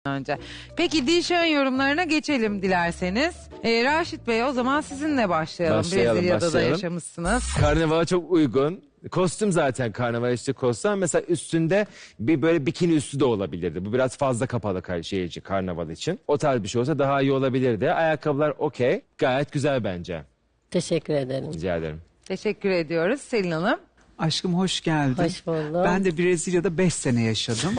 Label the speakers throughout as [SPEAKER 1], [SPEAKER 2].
[SPEAKER 1] önce. Peki Dilşah'ın yorumlarına geçelim dilerseniz. Raşit Bey, o zaman sizinle başlayalım. Brezilya'da da yaşamışsınız.
[SPEAKER 2] Karnavala çok uygun. Kostüm zaten karnaval işte kostüm. Mesela üstünde bir böyle bikini üstü de olabilirdi. Bu biraz fazla kapalı karnaval için. O tarz bir şey olsa daha iyi olabilirdi. Ayakkabılar okey. Gayet güzel bence.
[SPEAKER 3] Teşekkür ederim.
[SPEAKER 2] Rica ederim.
[SPEAKER 1] Teşekkür ediyoruz Selin Hanım.
[SPEAKER 4] Aşkım hoş geldin.
[SPEAKER 3] Hoş buldum.
[SPEAKER 4] Ben de Brezilya'da 5 sene yaşadım.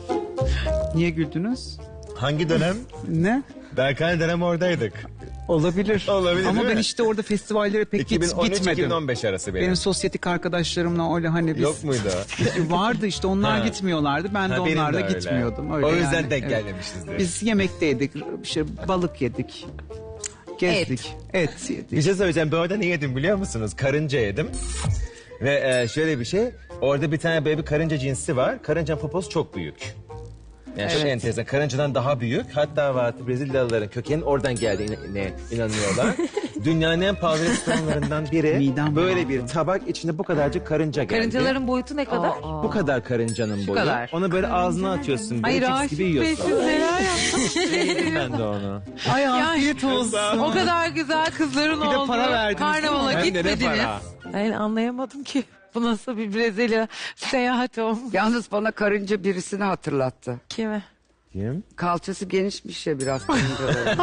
[SPEAKER 4] Niye güldünüz?
[SPEAKER 5] Hangi dönem?
[SPEAKER 4] Ne?
[SPEAKER 5] Berkay dönem oradaydık.
[SPEAKER 4] Olabilir.
[SPEAKER 5] Olabilir,
[SPEAKER 4] Ama
[SPEAKER 5] değil
[SPEAKER 4] ben
[SPEAKER 5] mi?
[SPEAKER 4] işte orada festivallere pek gitmedim.
[SPEAKER 5] 2013-2015 arası benim.
[SPEAKER 4] Benim sosyetik arkadaşlarımla öyle hani biz...
[SPEAKER 5] Yok muydu?
[SPEAKER 4] Vardı işte, onlar
[SPEAKER 5] Ha.
[SPEAKER 4] gitmiyorlardı. Ben de
[SPEAKER 5] Ha, benim
[SPEAKER 4] onlarla
[SPEAKER 5] de öyle.
[SPEAKER 4] gitmiyordum. Öyle
[SPEAKER 5] O yüzden
[SPEAKER 4] yani,
[SPEAKER 5] denk
[SPEAKER 4] evet.
[SPEAKER 5] gelmemişizdir.
[SPEAKER 4] Biz yemekteydik, işte balık yedik, gezdik, et yedik.
[SPEAKER 5] Bir şey söyleyeceğim. Ben orada ne yedim biliyor musunuz? Karınca yedim. Ve şöyle bir şey. Orada bir tane böyle bir karınca cinsi var. Karıncanın poposu çok büyük. Yani çok enteresan. Karıncadan daha büyük. Hatta Brezilyalıların kökenin oradan geldiğine inanıyorlar. Dünyanın en pahalı restoranlarından biri.
[SPEAKER 4] Midem
[SPEAKER 5] Böyle
[SPEAKER 4] bulandı.
[SPEAKER 5] bir tabak içinde bu kadarcık karınca geldi.
[SPEAKER 1] Karıncaların boyutu ne kadar?
[SPEAKER 5] Bu kadar karıncanın boyu.
[SPEAKER 1] kadar.
[SPEAKER 5] Onu böyle ağzına atıyorsun.
[SPEAKER 1] Ay
[SPEAKER 5] Böyle cips
[SPEAKER 1] Raşit
[SPEAKER 5] gibi
[SPEAKER 1] Bey,
[SPEAKER 5] yiyorsun.
[SPEAKER 1] siz neler yaptınız?
[SPEAKER 5] Ben de onu.
[SPEAKER 4] Ay afiyet olsun.
[SPEAKER 1] O kadar güzel kızların
[SPEAKER 4] Bir de
[SPEAKER 1] olduğu
[SPEAKER 4] para verdiniz,
[SPEAKER 1] karnavala
[SPEAKER 5] değil mi? Hem de ne
[SPEAKER 1] gitmediniz.
[SPEAKER 5] para?
[SPEAKER 1] Ben anlayamadım ki. Bu nasıl bir Brezilya seyahati olmuş.
[SPEAKER 6] Yalnız bana karınca birisini hatırlattı.
[SPEAKER 1] Kime?
[SPEAKER 5] Kim?
[SPEAKER 6] Kalçası genişmiş ya biraz karıncaların.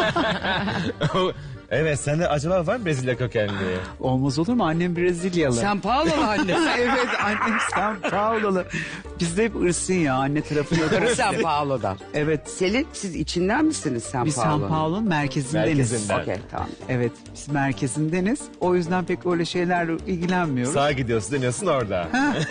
[SPEAKER 5] Evet, sende acaba var mı Brezilya kökenli?
[SPEAKER 4] Olmaz olur mu? Annem Brezilyalı.
[SPEAKER 6] Sen Paolo'lu annesi.
[SPEAKER 4] Evet, annem São Paulo'lu. Bizde hep ırsın ya, anne tarafı yok.
[SPEAKER 6] Sen Paolo'dan.
[SPEAKER 4] Evet,
[SPEAKER 6] Selin, siz içinden misiniz Sen
[SPEAKER 4] biz São
[SPEAKER 6] Paolo'nun?
[SPEAKER 4] Paulo'nun merkezindeniz.
[SPEAKER 5] Merkezinden.
[SPEAKER 6] Okey, tamam.
[SPEAKER 4] Evet, biz merkezindeniz. O yüzden pek öyle şeylerle ilgilenmiyoruz.
[SPEAKER 5] Sağa gidiyorsun dönüyorsun orada.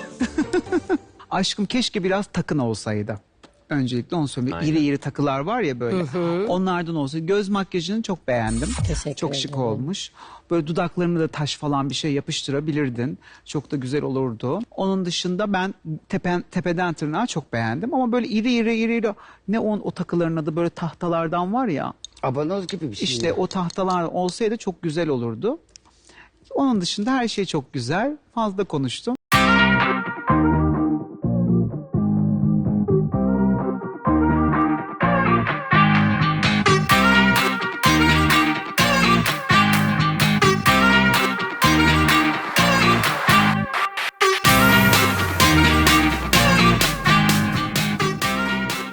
[SPEAKER 4] Aşkım keşke biraz takın olsaydı. Öncelikle onu söyleyeyim. İri iri takılar var ya böyle. Onlardan olsa. Göz makyajını çok beğendim.
[SPEAKER 3] Teşekkür
[SPEAKER 4] Çok şık
[SPEAKER 3] ederim.
[SPEAKER 4] olmuş. Böyle dudaklarını da taş falan bir şey yapıştırabilirdin. Çok da güzel olurdu. Onun dışında ben tepeden tırnağa çok beğendim. Ama böyle iri. Ne o takıların adı, böyle tahtalardan var ya.
[SPEAKER 6] Abanoz gibi bir şey.
[SPEAKER 4] İşte o tahtalar olsaydı çok güzel olurdu. Onun dışında her şey çok güzel. Fazla konuştum.